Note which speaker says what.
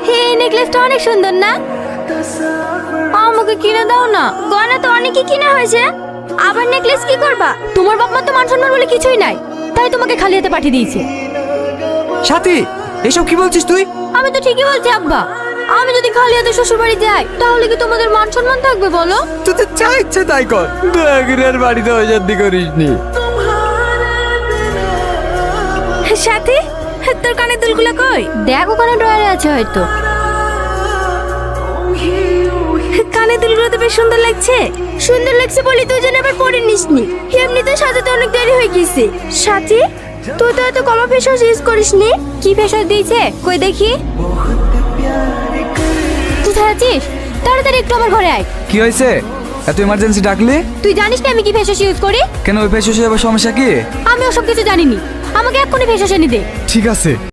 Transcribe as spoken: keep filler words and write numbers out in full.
Speaker 1: এই নেকলেসটা অনেক সুন্দর না? আমাকে কিনে দাও না। গয়না তো অনেকই কিনা হয়েছে, আবার নেকলেস কি করবা? তোমার বাপ মা তো মান সম্মান বলে কিছুই নাই, তাই তোমাকে খালি হাতে পাঠিয়ে দিয়েছে।
Speaker 2: সাথী, এসব কি বলছিস তুই?
Speaker 1: আমি তো ঠিকই বলছি আব্বা। আমি যদি খালি হাতে শ্বশুর বাড়ি যাই তাহলে কি তোমাদের মান সম্মান থাকবে বলো?
Speaker 2: তুই তো যা ইচ্ছে তাই কর, দয়াগিরার বাড়িতে অশান্তি করিস নি।
Speaker 1: সাথী, তোর কানের দুলগুলো কই? দেখ ওখানে ড্রয়ারে আছে হয়তো। কানের দুলগুলো তো বেশ সুন্দর লাগছে। সুন্দর লাগছে বলি তুই যেন আবার পরে নিসনি, এমনিতে সাজাতে অনেক দেরি হয়ে গেছে। সাথী, তুই তো এত কমা ফেস ওয়াশ ইউজ করিসনি। কি ফেস ওয়াশ দিয়েছে কই দেখি? তুই আছিস? তাড়াতাড়ি একটু আমার ঘরে আয়।
Speaker 2: কি হয়েছে? এত ইমার্জেন্সি ডাকলি?
Speaker 1: তুই জানিস না আমি কি ফেস ওয়াশ ইউজ করি?
Speaker 2: কেন, ওই ফেস ওয়াশে আবার সমস্যা কি?
Speaker 1: আমি ওসব কিছু জানিনি, আমাকে এক্ষুনি ফেস ওয়াশ এনে দে।
Speaker 2: ঠিক আছে।